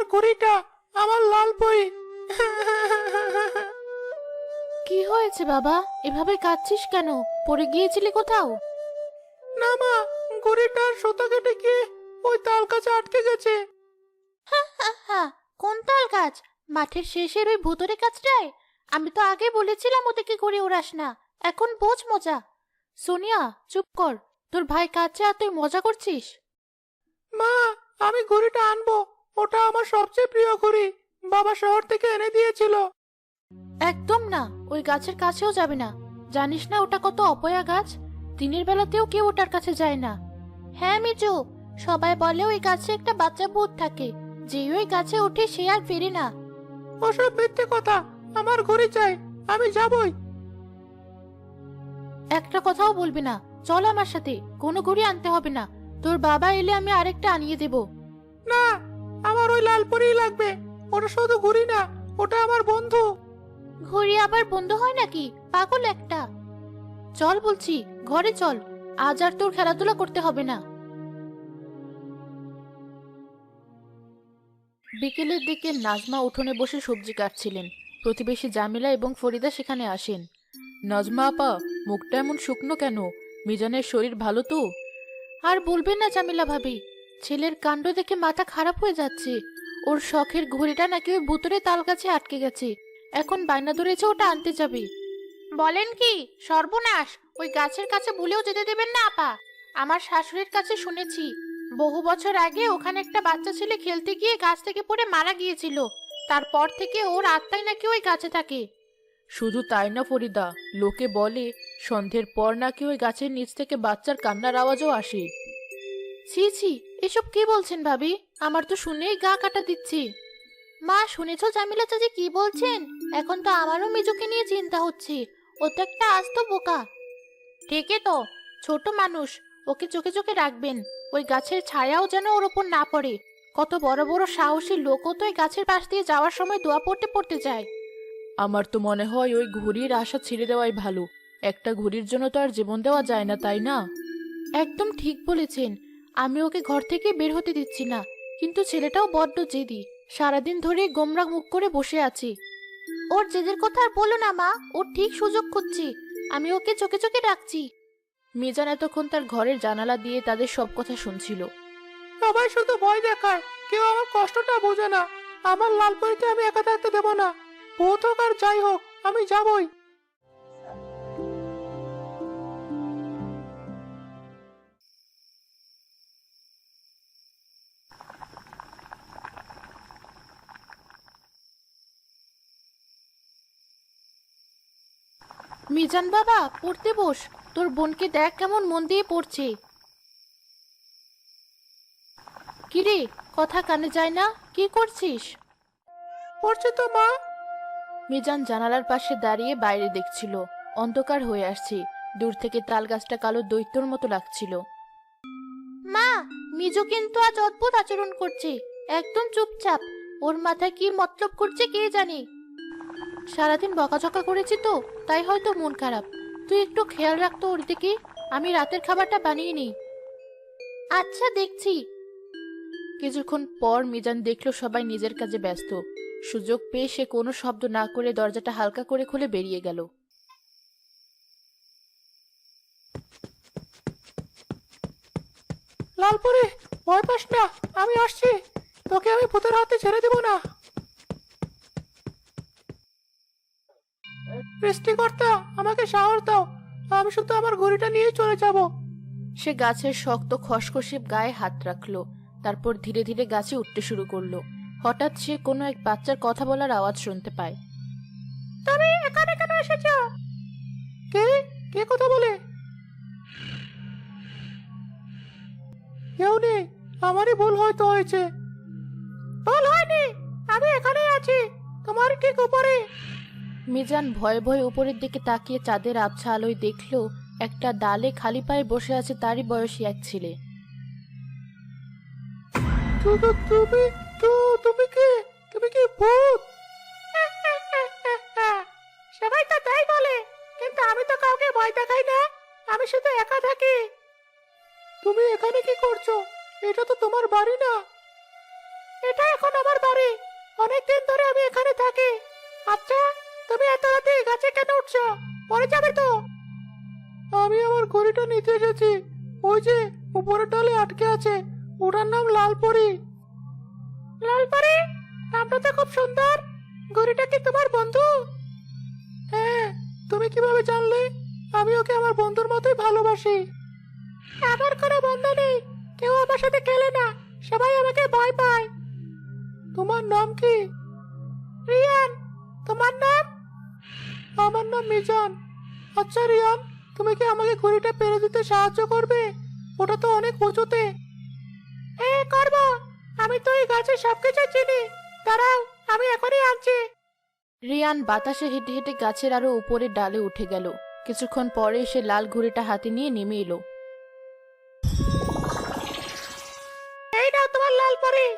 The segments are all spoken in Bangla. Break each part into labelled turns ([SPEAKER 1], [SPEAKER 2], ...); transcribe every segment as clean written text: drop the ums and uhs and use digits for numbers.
[SPEAKER 1] ঘড়িটা, আমার লাল বই।
[SPEAKER 2] কি হয়েছে বাবা, এভাবে কাঁদছিস কেন? পড়ে গিয়েছিলি কোথাও?
[SPEAKER 1] না মা, ঘড়িটার সুতা কেটে গিয়ে ওই তাল গাছে আটকে গেছে।
[SPEAKER 2] হা, কোন তাল গাছ? মাঠের শেষের ওই ভুতুরে গাছটায়? আমি তো আগে বলেছিলাম ওদেরকে ঘুরে উড়াস না। এখন বোঝ মজা। সোনিয়া, চুপ কর। তোর ভাই কাঁদছে আর তুই মজা করছিস?
[SPEAKER 1] মা, আমি ঘড়িটা আনবো। ওটা আমার সবচেয়ে প্রিয় ঘড়ি। বাবা শহর থেকে এনে দিয়েছিল।
[SPEAKER 2] একদম না, ওই গাছের কাছেও যাবে না। জানিস না ওটা কত অপয়া গাছ? দিনের বেলাতেও কেউ ওটার কাছে যায় না। হ্যাঁ মিজু, সবাই বলে ওই গাছে একটা বাচ্চা ভূত থাকে, যে ওই গাছে ওঠে সে আর ফেরে না।
[SPEAKER 1] ওসব মিথ্যে কথা। আমার ঘড়ি চাই, আমি যাবই।
[SPEAKER 2] একটা কথাও বলবি না। চল আমার সাথে, কোনো ঘড়ি আনতে হবে না। তোর বাবা এলে আমি আরেকটা আনিয়ে দেব।
[SPEAKER 1] না, আমার ওই লাল পরীই লাগবে। ওটা শুধু ঘড়ি না, ওটা আমার বন্ধু।
[SPEAKER 2] ঘড়ি আবার বন্ধ হয় নাকি? পাগল একটা। চল বলছি, ঘরে চল। আজ আর তোর খেলাধুলা করতে হবে না। বিকেলের দিকে নাজমা উঠোনে বসে সবজি কাটছিলেন। প্রতিবেশী জামিলা এবং ফরিদা সেখানে আসেন। নাজমা আপা, মুখটা এমন শুকনো কেন? মিজানের শরীর ভালো তো? আর বলবেন না জামিলা ভাবি, ছেলের কাণ্ড দেখে মাথা খারাপ হয়ে যাচ্ছে। ওর শখের ঘড়িটা নাকি ওই ভুতুরে তাল গাছে আটকে গেছে। এখন বায়না ধরেছে ওটা আনতে যাবে। বলেন কি? সর্বনাশ! ওই গাছের কাছে ভুলেও যেতে দেবেন না আপা। আমার শাশুড়ির কাছে শুনেছি, বহু বছর আগে ওখানে একটা বাচ্চা ছেলে খেলতে গিয়ে গাছ থেকে পড়ে মারা গিয়েছিল। তারপর থেকে ওর আত্মাই নাকি ওই গাছে থাকে। শুধু তাই না ফরিদা, লোকে বলে সন্ধ্যের পর নাকি ওই গাছের নিচ থেকে বাচ্চার কান্নার আওয়াজও আসে। ছি ছি, এসব কি বলছেন ভাবি? আমার তো শুনেই গা কাটা দিচ্ছে। মা, শুনেছো জামিলা চাচি কি বলছেন? এখন তো আমারও মিজুকে নিয়ে চিন্তা হচ্ছে। ও তো একটা আস্ত বোকা। ঠিকই তো, ছোট মানুষ। ওকে চোখে চোখে রাখবেন। ওই গাছের ছায়াও যেন ওর ওপর না পড়ে। কত বড় বড় সাহসী লোকও তো ওই গাছের পাশ দিয়ে যাওয়ার সময় দোয়া পড়তে পড়তে যায়। আমার তো মনে হয় ওই ঘুড়ির আশা ছেড়ে দেওয়াই ভালো। একটা ঘুড়ির জন্য তো আর জীবন দেওয়া যায় না, তাই না? একদম ঠিক বলেছেন। আমি ওকে ঘর থেকে বের হতে দিচ্ছি না, কিন্তু ছেলেটাও বড্ড জেদি। সারাদিন ধরে গোমরা মুখ করে বসে আছি। ওর জেদের কথা আর বলো না মা, ও ঠিক সুযোগ খুঁজছি। আমি ওকে চোখে চোখে রাখছি। মিজান এতক্ষণ তার ঘরের জানালা দিয়ে তাদের সব কথা শুনছিল।
[SPEAKER 1] সবাই শুধু ভয় দেখায়, কেউ আমার কষ্টটা বোঝে না। আমার লাল পরীতে আমি একা থাকতে দেব না। ভূত হোক আর যাই হোক, আমি যাবই।
[SPEAKER 2] মিজান বাবা, পড়তে বস। তোর বোনকে দেখ কেমন মন দিয়ে পড়ছে। কিরে, কথা কানে যায় না? কি করছিস?
[SPEAKER 1] পড়ছে তো মা।
[SPEAKER 2] মিজান জানালার পাশে দাঁড়িয়ে বাইরে দেখছিল। অন্ধকার হয়ে আসছে। দূর থেকে তাল গাছটা কালো দৈত্যর মতো লাগছিল। মা, মিজু কিন্তু আজ অদ্ভুত আচরণ করছে। একদম চুপচাপ। ওর মাথায় কি মতলব করছে কে জানে। সারাদিন বকাঝকা করেছি তো, তাই হয়তো মন খারাপ। তুই একটু খেয়াল রাখতো ওর দিকে। আমি রাতের খাবারটা বানিয়ে নিই। আচ্ছা, দেখছি। কিছুক্ষণ পর মিজান দেখলো সবাই নিজের কাজে ব্যস্ত। সুযোগ পেয়ে সে কোনো শব্দ না করে দরজাটা হালকা করে খুলে বেরিয়ে গেল।
[SPEAKER 1] লাল পরি, ভয় পাস না, আমি আসছি। তোকে আমি ভূতের হাতে ছেড়ে দেব না। সৃষ্টিকর্তা, আমাকে সাহস দাও। আমি শুধু আমার ঘড়িটা নিয়ে চলে যাব।
[SPEAKER 2] সে গাছের শক্ত খসখসে গায়ে হাত রাখলো। তারপর ধীরে ধীরে গাছে উঠতে শুরু করলো। হঠাৎ সে কোনো এক বাচ্চার কথা বলার আওয়াজ শুনতে পায়।
[SPEAKER 1] তুমি এখানে কেন এসেছো? কে? কে কথা বলে? কেউ নেই। আমারই ভুল হয়তো হয়েছে। ভুল হয়নি, আমি এখানে আছি, তোমার ঠিক উপরে।
[SPEAKER 2] মিজান ভয়ে ভয়ে উপরের দিকে তাকিয়ে চাঁদের আবছা আলোয় দেখলো একটা ডালে খালি পায়ে বসে আছে তারই বয়সী এক ছেলে।
[SPEAKER 1] তুমি তুমি কি? তুমি কি ভূত? সবাই তো তাই বলে, কিন্তু আমি তো কাউকে ভয় দেখাই না। আমি শুধু একা থাকি। তুমি এখানে কি করছো? এটা তো তোমার বাড়ি না। এটা এখন আমার বাড়ি। অনেকদিন ধরে আমি এখানে থাকি। আচ্ছা, তুমি এত রাতে এই গাছে কেন উঠছো? পরে যাবে তো। আমি আমার ঘড়িটা নিতে এসেছি। ওই যে উপরের ডালে আটকে আছে, ওটার নাম লালপরি। লালপরি? নামটা তো খুব সুন্দর। ঘড়িটা কি তোমার বন্ধু? হ্যাঁ। তুমি কিভাবে জানলে? আমি ওকে আমার বন্ধুর মতোই ভালোবাসি। আমার কোনো বন্ধু নেই, কেউ আমার সাথে খেলে না, সবাই আমাকে ভয় পায়। তোমার নাম কি? রিয়ান। তোমার নাম? আমার নাম মিজান। আচ্ছা রিয়ান, তুমি কি আমাকে ঘুড়িটা পেরে দিতে সাহায্য করবে? ওটা তো অনেক উঁচুতে। করবো। আমি তো এই গাছের সবকিছু চিনি। দাঁড়াও, আমি এখনই আনছি।
[SPEAKER 2] রিয়ান বাতাসে হেঁটে হেঁটে গাছের আরো উপরের ডালে উঠে গেল। কিছুক্ষণ পরে সে লাল ঘুড়িটা হাতে নিয়ে নেমে এলো।
[SPEAKER 1] এই নাও তোমার লাল পরি।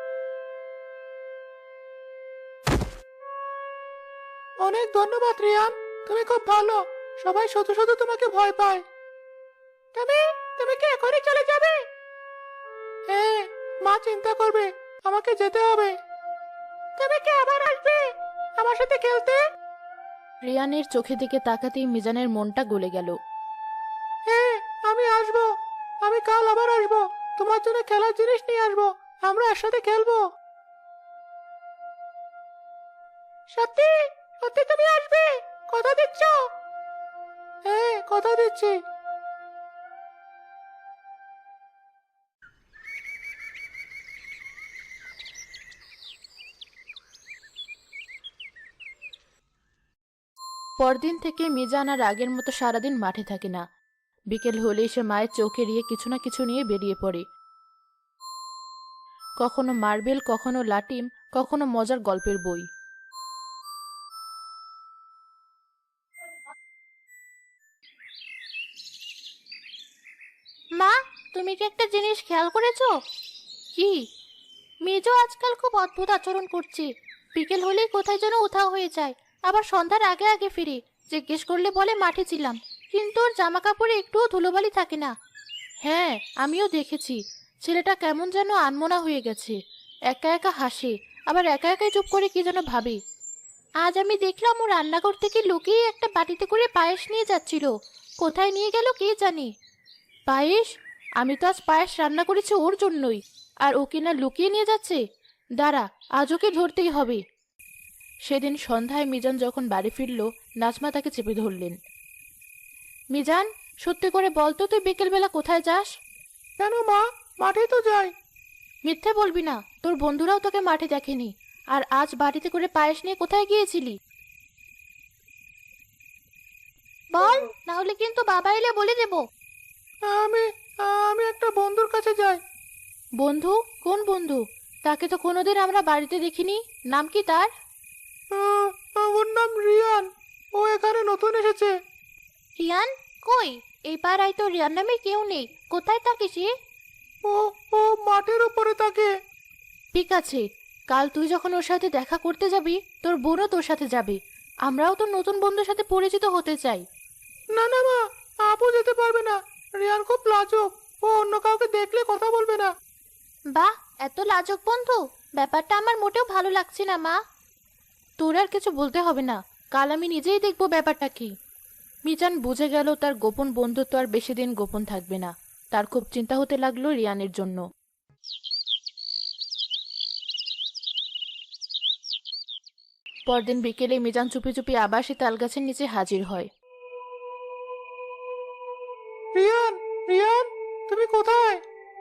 [SPEAKER 1] অনেক ধন্যবাদ রিয়ান, তুমি খুব ভালো। সবাই শুধু শুধু তোমাকে ভয় পায়। তুমি তুমি কি এখনই চলে যাবে? হ্যাঁ, মা চিন্তা করবে, আমাকে যেতে হবে। তুমি কি আবার আসবে আমার সাথে খেলতে?
[SPEAKER 2] রিয়ানের চোখে দিকে তাকাতেই মিজানের মনটা গলে গেল।
[SPEAKER 1] হ্যাঁ, আমি আসবো। আমি কাল আবার আসবো। তোমার জন্য খেলার জিনিস নিয়ে আসবো। আমরা একসাথে খেলবো। সত্যি? সত্যি তুমি আসবে? কথা দিচ্ছ? হ্যাঁ, কথা দিচ্ছি।
[SPEAKER 2] পরদিন থেকে মিজান আর আগের মতো সারাদিন মাঠে থাকে না। বিকেল হলেই সে মায়ের চোখ এড়িয়ে কিছু না কিছু নিয়ে বেরিয়ে পড়ে। কখনো মার্বেল, কখনো লাটিম, কখনো মজার গল্পের বই।
[SPEAKER 3] মা, তুমি কি একটা জিনিস খেয়াল করেছো?
[SPEAKER 2] কি?
[SPEAKER 3] মেজো আজকাল খুব অদ্ভুত আচরণ করছে। বিকেল হলেই কোথায় যেন উধাও হয়ে যায়, আবার সন্ধ্যার আগে আগে ফিরে। জিজ্ঞেস করলে বলে মাঠে ছিলাম, কিন্তু ওর জামা কাপড়ে একটুও ধুলোবালি থাকে না।
[SPEAKER 2] হ্যাঁ, আমিও দেখেছি। ছেলেটা কেমন যেন আনমনা হয়ে গেছে। একা একা হাসে, আবার একা একাই চুপ করে কি যেন ভাবে।
[SPEAKER 3] আজ আমি দেখলাম ও রান্নাঘর থেকে লুকিয়ে একটা বাটিতে করে পায়েস নিয়ে যাচ্ছিল। কোথায় নিয়ে গেল কে জানে।
[SPEAKER 2] পায়েস? আমি তো আজ পায়েস রান্না করেছি ওর জন্যই, আর ও কিনা লুকিয়ে নিয়ে যাচ্ছে। দাঁড়া, আজ ওকে ধরতেই হবে। সেদিন সন্ধ্যায় মিজান যখন বাড়ি ফিরল, নাজমা তাকে চেপে ধরলেন। মিজান, সত্যি করে বল তো, তুই বিকেলবেলা কোথায় যাস?
[SPEAKER 1] কেন মা, মাঠে তো যাই।
[SPEAKER 2] মিথ্যে বলবি না, তোর বন্ধুরাও তোকে মাঠে দেখেনি। আর আজ বাড়িতে করে পায়েস নিয়ে কোথায় গিয়েছিলি?
[SPEAKER 3] বল, না হলে কিন্তু বাবা এলে বলে দেবো।
[SPEAKER 1] আমি আমি একটা বন্ধুর কাছে যাই।
[SPEAKER 2] বন্ধু? কোন বন্ধু? তাকে তো কোনোদিন আমরা বাড়িতে দেখিনি। নাম কি তার?
[SPEAKER 1] ওর নাম রিয়ান। ও এখানে নতুন এসেছে।
[SPEAKER 3] রিয়ান? কই, এই পাড়ায় তো রিয়ান নামে কেউ নেই। কোথায় থাকে সে?
[SPEAKER 1] ও ও মাঠের উপরে থাকে।
[SPEAKER 2] ঠিক আছে, কাল তুই যখন ওর সাথে দেখা করতে যাবি, তোর বোনও তোর সাথে যাবে। আমরাও তো নতুন বন্ধুর সাথে পরিচিত হতে চাই।
[SPEAKER 1] না না মা, আপু যেতে পারবে না। রিয়ান খুব লাজুক। ও অন্য কাউকে দেখলে কথা বলবে না।
[SPEAKER 3] বাহ, এত লাজুক বন্ধু? ব্যাপারটা আমার মোটেও ভালো লাগছে না মা।
[SPEAKER 2] তোর আর কিছু বলতে হবে না, কাল আমি নিজেই দেখবো ব্যাপারটা কি। মিজান বুঝে গেল তার গোপন বন্ধুত্ব আর বেশি দিন গোপন থাকবে না। তার খুব চিন্তা হতে লাগলো রিয়ানের জন্য। পরদিন বিকেলে মিজান চুপি চুপি আবার সে তালগাছের নিচে হাজির হয়।
[SPEAKER 1] রিয়ান, রিয়ান, তুমি কোথায়?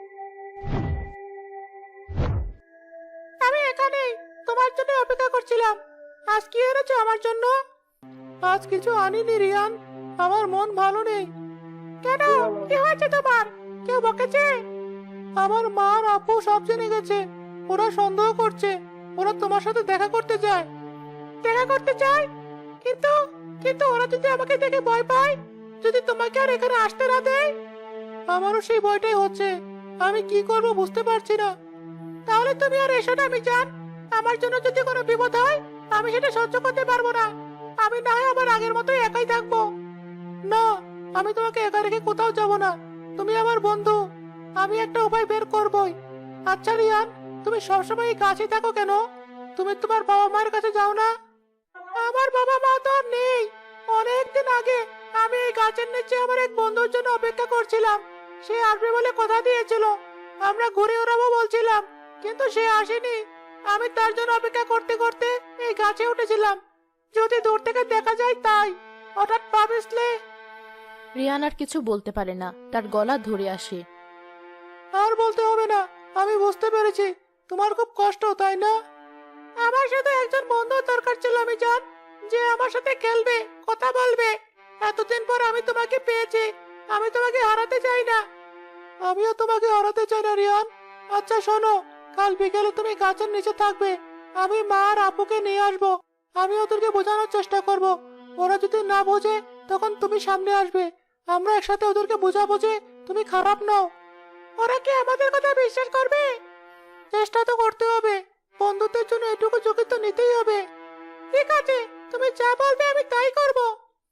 [SPEAKER 1] আমি এখানেই, তোমার জন্য অপেক্ষা করছিলাম। আজ কি এনেছো আমার জন্য? আজ কিছু আনিনি রিয়ান, আমার মন ভালো নেই। কেন, কি হয়েছে তোমার? কেউ বকেছে? আমার মা আর আপু সব জেনে গেছে। ওরা সন্দেহ করছে। ওরা তোমার সাথে দেখা করতে চায়। দেখা করতে চায়? কিন্তু কিন্তু ওরা যদি আমাকে দেখে ভয় পায়, যদি তোমাকে আর এখানে আসতে না দেয়? আমারও সেই ভয়টাই হচ্ছে। আমি কি করব বুঝতে পারছি না। তাহলে তুমি আর এসো না মিজান। আমার জন্য যদি কোনো বিপদ হয়, আমি সেটা সহ্য করতে পারবো না। আমি না হয় আমার আগের মতোই একাই থাকবো। না, আমি তোমাকে একা রেখে কোথাও যাব না। তুমি আমার বন্ধু। আমি একটা উপায় বের করবই। আচ্ছা রিয়ান, তুমি সবসময় এই গাছে থাকো কেন? তুমি তোমার বাবা মায়ের কাছে যাও না? আমার বাবা মা তো আর নেই। অনেকদিন আগে আমি এই গাছের নিচে আমার এক বন্ধুর জন্য অপেক্ষা করছিলাম। সে আসবে বলে কথা দিয়েছিল। আমরা ঘুরে ওড়াবো বলছিলাম, কিন্তু সে আসেনি। আমি তার জন্য অপেক্ষা করতে করতে এই গাছে উঠেছিলাম, যদি দূর থেকে দেখা যায় তাই। হঠাৎ পা পিছলে।
[SPEAKER 2] রিয়ান আর কিছু বলতে পারে না, তার গলা ধরে আসে।
[SPEAKER 1] আর বলতে হবে না, আমি বুঝতে পেরেছি তোমার খুব কষ্ট, তাই না? আমার সাথে একজন বন্ধু দরকার ছিল, আমি জান, যে আমার সাথে খেলবে, কথা বলবে। এতদিন পর আমি তোমাকে পেয়েছি। আমি তোমাকে হারাতে চাই না। আমিও তোমাকে হারাতে চাই না রিয়ান। আচ্ছা শোনো, কাল বিকেলে তুমি গাছের নিচে থাকবে। আমি মা আর আপুকে নিয়ে আসবো। আমি ওদেরকে বোঝানোর চেষ্টা করব। ওরা যদি না বোঝে তখন তুমি সামনে আসবে। আমরা একসাথে ওদেরকে বোঝাবো যে তুমি খারাপ নও। ওরা কি আমাদের কথা বিশ্বাস করবে? চেষ্টা তো করতে হবে। বন্ধুত্বের জন্য এটুকু ঝুঁকি তো নিতেই হবে। ঠিক আছে, তুমি যা বলবে আমি তাই করব।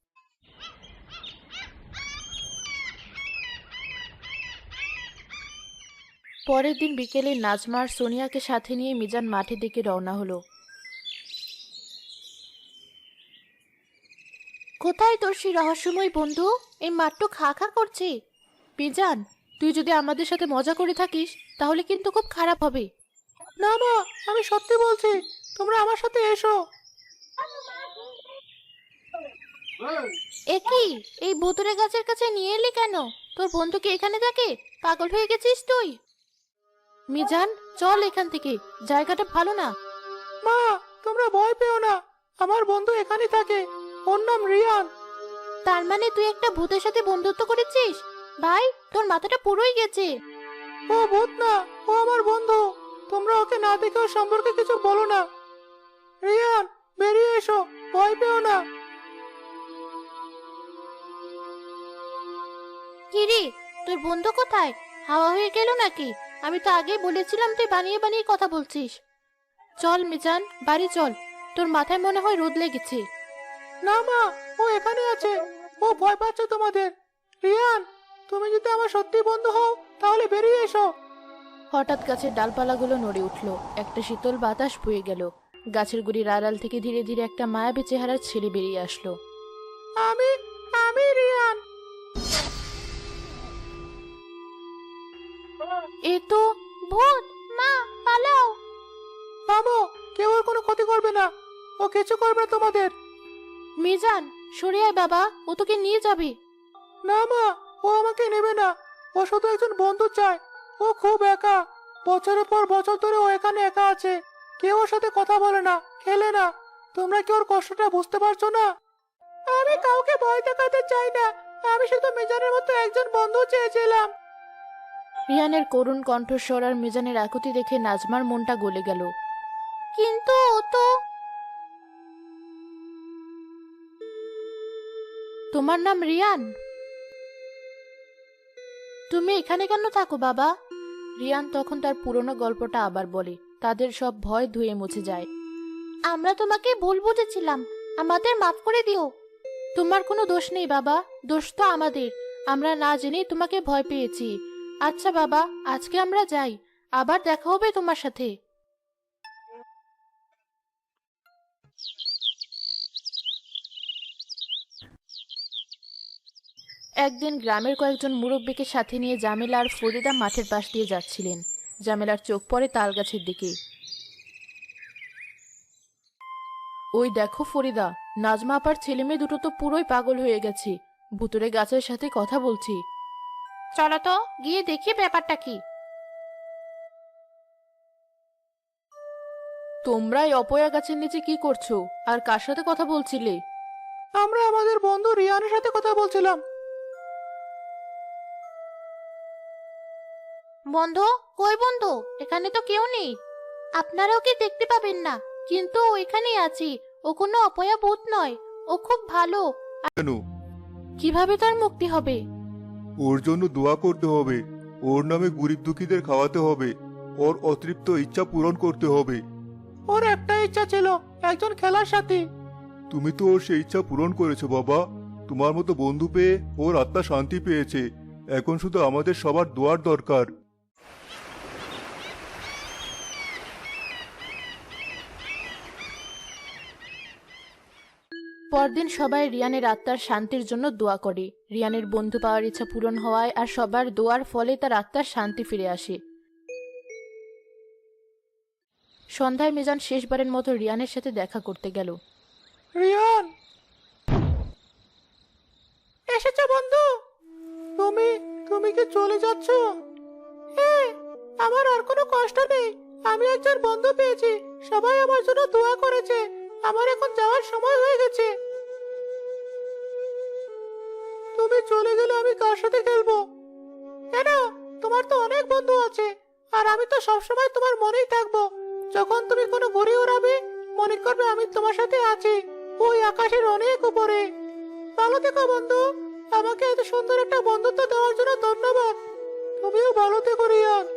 [SPEAKER 2] পরের দিন বিকেলে নাজমা আর সোনিয়াকে সাথে নিয়ে মিজান মাঠের দিকে রওনা হলো।
[SPEAKER 3] কোথায় তোর সেই রহস্যময় বন্ধু? এই মাঠটা খা খা করছে।
[SPEAKER 2] মিজান, তুই যদি আমাদের সাথে মজা করে থাকিস তাহলে কিন্তু খুব খারাপ হবে।
[SPEAKER 1] না মা, আমি সত্যি বলছি, তোমরা আমার সাথে এসো।
[SPEAKER 3] একই, এই ভুতুরে গাছের কাছে নিয়ে এলি কেন? তোর বন্ধু কি এখানে থাকে? পাগল হয়ে গেছিস তুই?
[SPEAKER 2] মিজান, চল এখান থেকে, জায়গাটা ভালো না।
[SPEAKER 1] মা, তোমরা ভয় পেও না। আমার বন্ধু এখানেই থাকে। ওর নাম রিয়ান।
[SPEAKER 3] তার মানে তুই একটা ভূতের সাথে বন্ধুত্ব করেছিস? ভাই, তোর মাথাটা পুরোই গেছে।
[SPEAKER 1] ও ভূত না, ও আমার বন্ধু। তোমরা ওকে না দেখে ওর সম্পর্কে কিছু বলো না। রিয়ান, বেরিয়ে এসো, ভয় পেও না।
[SPEAKER 3] কিরে, তোর বন্ধু কোথায়? হাওয়া হয়ে গেল নাকি? আমি তো আগেই বলেছিলাম তুই বানিয়ে বানিয়ে কথা বলছিস।
[SPEAKER 2] চল মিজান, বাড়ি চল। তোর মাথায় মনে হয় রোদ লেগেছে।
[SPEAKER 1] না মা, ও এখানে আছে। ও ভয় পাচ্ছে তোমাদের। রিয়ান, তুমি যদি আমার সত্যি বন্ধু হও তাহলে বেরিয়ে এসো।
[SPEAKER 2] হঠাৎ গাছের ডালপালাগুলো নড়ে উঠল, একটা শীতল বাতাস বয়ে গেল। গাছের গুড়ির আড়াল থেকে ধীরে ধীরে একটা মায়াবী চেহারার ছেলে বেরিয়ে আসলো।
[SPEAKER 1] আমি আমি রিয়ান।
[SPEAKER 2] এ তো
[SPEAKER 3] ভূত! মা, পালাও!
[SPEAKER 1] থামো, কেউ ওর কোনো ক্ষতি করবে না। ও কিছু করবে না তোমাদের।
[SPEAKER 2] মিজান, সরে আয় বাবা, ও তোকে নিয়ে যাবে।
[SPEAKER 1] না মা, ও আমাকে নেবে না। ও শুধু একজন বন্ধু চায়। ও খুব একা। বছরের পর বছর ধরে ও এখানে একা আছে। কেউ ওর সাথে কথা বলে না, খেলে না। তোমরা কি ওর কষ্টটা বুঝতে পারছো না? আমি কাউকে ভয় দেখাতে চাই না। আমি শুধু মিজানের মতো একজন বন্ধু চেয়েছিলাম।
[SPEAKER 2] রিয়ানের করুণ কণ্ঠস্বর আর মিজানের আকুতি দেখে নাজমার মনটা গলে গেল।
[SPEAKER 3] কিন্তু ও তো...
[SPEAKER 2] তোমার নাম রিয়ান? তুমি এখানে কেন থাকো বাবা? রিয়ান তখন তার পুরনো গল্পটা আবার বলে। তাদের সব ভয় ধুয়ে মুছে যায়।
[SPEAKER 3] আমরা তোমাকে ভুল বুঝেছিলাম, আমাদের মাফ করে দিও।
[SPEAKER 2] তোমার কোনো দোষ নেই বাবা, দোষ তো আমাদের। আমরা না জেনেই তোমাকে ভয় পেয়েছি। আচ্ছা বাবা, আজকে আমরা যাই, আবার দেখা হবে তোমার সাথে। একদিন গ্রামের কয়েকজন মুরব্বীকে সাথে নিয়ে জামেলা আর ফরিদা মাঠের পাশ দিয়ে যাচ্ছিলেন। জামেলার চোখ পড়ে তাল গাছের দিকে। ওই দেখো ফরিদা, নাজমা আপার ছেলে মেয়ে দুটো তো পুরোই পাগল হয়ে গেছে, ভুতুরে গাছের সাথে কথা বলছি।
[SPEAKER 3] চলো তো, গিয়ে দেখি ব্যাপারটা কি।
[SPEAKER 2] তোমরা এই অপয়া গাছের নিচে কি করছো আর কার সাথে কথা বলছিলে?
[SPEAKER 1] আমরা আমাদের বন্ধু রিয়ানের সাথে কথা বলছিলাম।
[SPEAKER 3] বন্ধু? কই বন্ধু? এখানে তো কেউ নেই। আপনারা ওকে দেখতে পাবেন না, কিন্তু ও এখানেই আছে। ও কোনো অপয়া ভূত নয়, ও খুব ভালো।
[SPEAKER 4] কেন?
[SPEAKER 2] কিভাবে তার মুক্তি হবে?
[SPEAKER 4] ওর জন্য দোয়া করতে হবে। ওর নামে গরিব দুঃখীদের খাওয়াতে হবে। ওর অতৃপ্ত ইচ্ছা পূরণ করতে হবে।
[SPEAKER 1] ওর একটা ইচ্ছা ছিল, একজন খেলার সাথী।
[SPEAKER 4] তুমি তো ওর সেই ইচ্ছা পূরণ করেছো বাবা। তোমার মতো বন্ধু পেয়ে ওর আত্মা শান্তি পেয়েছে। এখন শুধু আমাদের সবার দোয়ার দরকার।
[SPEAKER 2] পরদিন সবাই রিয়ানের আত্মার শান্তির জন্য দোয়া করে। রিয়ানের বন্ধু পাওয়ার ইচ্ছা পূরণ হওয়ায় আর সবার দোয়ার ফলে তার আত্মার শান্তি ফিরে আসে। সন্ধ্যায় মিজান শেষবারের মতো রিয়ানের সাথে দেখা করতে গেল।
[SPEAKER 1] রিয়ান, এসেছো বন্ধু? তুমি তুমি কি চলে যাচ্ছ? হ্যাঁ, আমার আর কোনো কষ্ট নেই। আমি একজন বন্ধু পেয়েছি, সবাই আমার জন্য দোয়া করেছে। আমার এখন যাওয়ার সময় হয়ে গেছে। তুমি চলে গেলে আমি কার সাথে খেলবো? কেন, তোমার তো অনেক বন্ধু আছে, আর আমি তো সবসময় তোমার মনেই থাকবো। যখন তুমি কোনো ঘুড়ি উড়াবে, মনে করবে আমি তোমার সাথে আছি, ওই আকাশের অনেক উপরে। ভালো থেকো বন্ধু। আমাকে এত সুন্দর একটা বন্ধুত্ব দেওয়ার জন্য ধন্যবাদ। তুমিও ভালো থেকো রিয়ান।